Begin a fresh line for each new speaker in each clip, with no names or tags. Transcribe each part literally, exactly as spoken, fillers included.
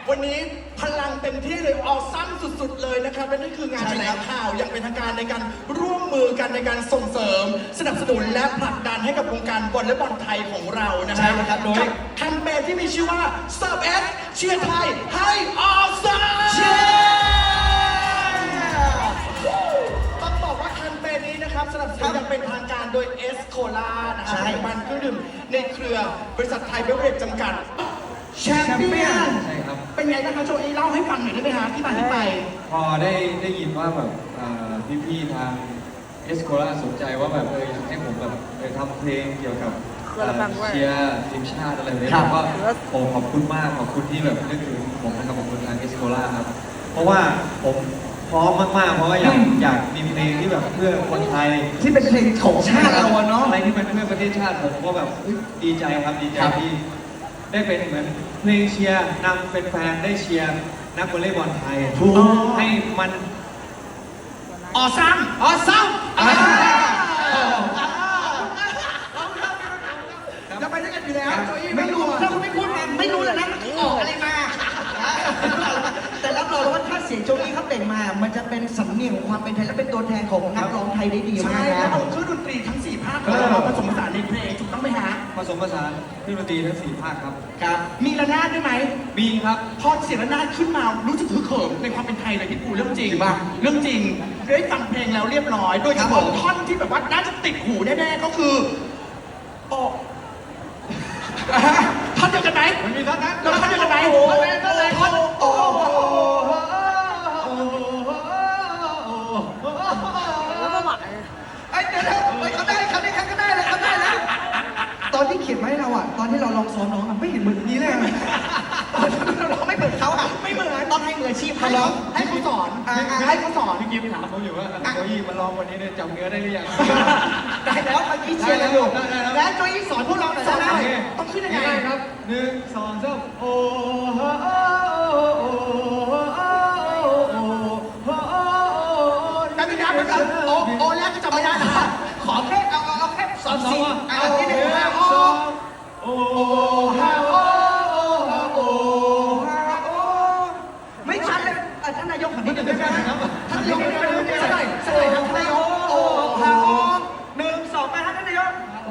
วันนี้พลังเต็มที่เลยออซัมสุดๆเลยนะครับและนี่คืองานแถลงข่าวอย่างเป็นทางการในการร่วมมือกันในการส่งเสริมสนับสนุนและผลักดันให้กับวงการวอลเลย์บอลไทยของเรานะค
ใช่
รับ
ครับโดย
แคมเปญที่มีชื่อว่า Serve S เชียร์ไทยให้ออซัมต้องบอกว่าแคมเปญนี้นะครับสนับสนุนอย่างเป็นทางการโดยเอสโคลานะครับผลิตภัณฑ์เครื่องดื่มในเครือบริษัทไทยเบเวอเรจจำกัดแชมเปี้ยน
ใช่ครับ
เป็นไงบ้างครับโจอี้เล่าให้ฟังหน่อยได้ไหมฮะที่มาที่ไป
พอได้ได้ยินว่าแบบพี่ๆทางเอสโคลาสนใจว่าแบบเอออยากให้ผมแบบเออทำเพลงเกี่ยวกับเอ่อเชียร์ทีมชาติอะไรแบบนี้
ครับ
ผมก็โอ้ขอบคุณมากขอบคุณที่แบบนึกถึงผมนะครับขอบคุณทางเอสโคลาครับเพราะว่าผมพร้อมมากๆเพราะว่าอยากอยากมีเพลงที่แบบเพื่อคนไทย
ที่เป็นเพลงของชาติเราอะเนาะ
อะไรที่เป็นเพื่อประเทศชาติผมก็แบบเฮ้ยดีใจครับดีใจ
ครับ
ที่ได้เป็นเหมือนเพลงเชียร์นำเป็นแฟนได้เชียร์นักวอลเลย์บอลไทย
ถูก
ให้มัน
ออซัมออซัมเราไปด้วยกันอยู่แล้วโจอี้ไม่รู้ถ้าคุณไม่พูดมาไม่รู้แล้วนะมันออกอะไรมา
แต่รับรองว่าถ้าเสียงโจอี้เขาเต่งมา มันจะเป็นสำเนียงของความเป็นไทยและเป็นตัวแทนของนักร้องไทยได้ดีมา
ใช่
ก
แล้ว
นะ
เอาเครื่องดนตรีทั้งสี่ภาคของเรามาผสมผสานในเพลงถูกต้องไหมฮะ
ผสมผสานเครื่องดนตรีทั้งสี่ภาคครับ
ครับ มีระนาดด้วยไหม
มีครับ
พอเสียงระนาดขึ้นมารู้สึกฮึกเหิมในความเป็นไทยเลยพี่ปูเรื่องจริง
จริงป่ะ
เรื่องจริงได้ฟังเพลงแล้วเรียบร้อย โดยเฉพาะท่อนที่แบบว่าน่าจะติดหูแน่ๆก็คือโอ้ท่อนเดียวกันไหม
มันมีท่อนนั้น
เราท่อนเดียวกันไหม
โอ้
ท่อน
โห
ท่อนโอ้โห
แล้วก็หวาน
ไอ้เดี๋ยวๆเฮ้ยเขาได้เขาได้เขาได้เลยเขาได้แล้วตอนที่เขียนมาให้เราอ่ะ ตอนที่เราลองซ้อมน้องอะไม่เห็นเหมือนนี้เลยอะ เราไม่เหมือนเขาอ่ะ
ไม่เหมือน
ต้องให้มืออาชีพ
ให้
เขาร้
ร้
อ
อง งให้เขาสอน
อ่าๆ
ให้เขาสอน
พี่กิฟต์ถามผมอยู่ว่าโจอี้มาลองวันนี้เนี่ยจำเนื้อได้หรือยัง
ได้แล้วเมื่อกี้เชียร์กันอยู่
ได้แล้วได้แล้ว
และโจอี้สอนพวกเราหน่อย
สอน
ได้
ห
ไห
น่
ม
อยต้องขึ้นยังไง
ได้ครับหนึ่งสองสามโอ้โหโอ้โหโอ้โห
แต่ไม่ได้เหมือนกันโอโอแรกก็จำไม่ได้นะ
ขอแค่เอาเอาเอาแค่สอนสี่อ่ะ
เอา
ที่หนึ่ง
ห
ห้า
นึ่ง
โอ้
สองโอ้ฮาโอ้ฮาโอ้
ไม่ชัดเลยอ่ะท่านนายกหันนิดนึงได้ไหม
ครับ
ท่านนายกหันนิดนึงได้ไหมสักหน่อยสักหน่อยครับท่านนายกโอ้ฮาโอ้หนึ่งสองไปครับท่านนายกโอ้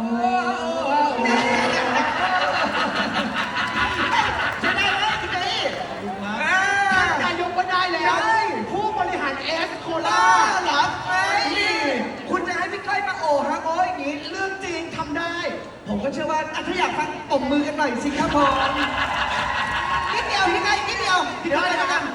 ใช่ได้ไหมคุณเจอี้อ่า
นายกก็ได้แล้ว
ได้
ผู้บริหารเอสโค
ล่า
ลา
หลับไหมคุณจะให้พี่ก้อยมาโอ้ฮาโอ้อย่างนี้
เรื่องจริงทำได้
ผมก็เชื่อว่าอ่ะถ้าอยากฟังตบมือกันหน่อยสิครับผมนิดเดียวพี่ก้อยนิดเดียวพี่ก้อยเลยละกัน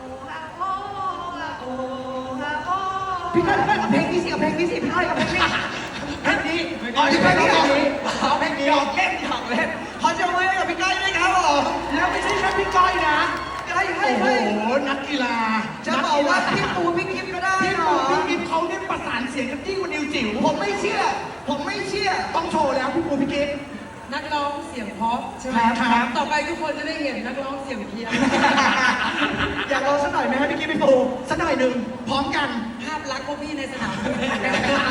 พี่ก้อยพี่ก้อยเอาเพลงนี้สิเอาเพลงนี้สิพี่ก้อยเอาเพลงนี้
เพลงนี้
อ๋อที่เพลงนี้
เอา
เอาเพลงนี้หยอกเล่นหยอกเล่นขอเชิญมือให้กับพี่ก้อยด้วยครับผม
แล้วไม่ใช่แค่พี่ก้อยนะ
ให้ให้
โอ้โห
ให้
นักกีฬา
จะบอกว่าพี่ปูพี่กิฟก็ได้
พี่
เหร
ปู
อ
พี่กิฟเขาเนี่ยประสานเสียงกันยิ่งกว่านิวจิ๋ว
ผมไม่เชื่อ ผมไม่เชื่อ
ต้องโชว์แล้วพี่ปูพี่กิฟ
นักร้องเสียงเพราะใช่ไหม
ครับครับ
ต่อไปทุกคนจะได้เห็นนักร้องเสียงเพี้ยน
อยากลองสักหน่อยไหมครับพี่กิฟพี่ปู
สักหน่อยหนึ่งพร้อมกัน
ภาพลักษณ์พวกพี่ในสนามบิน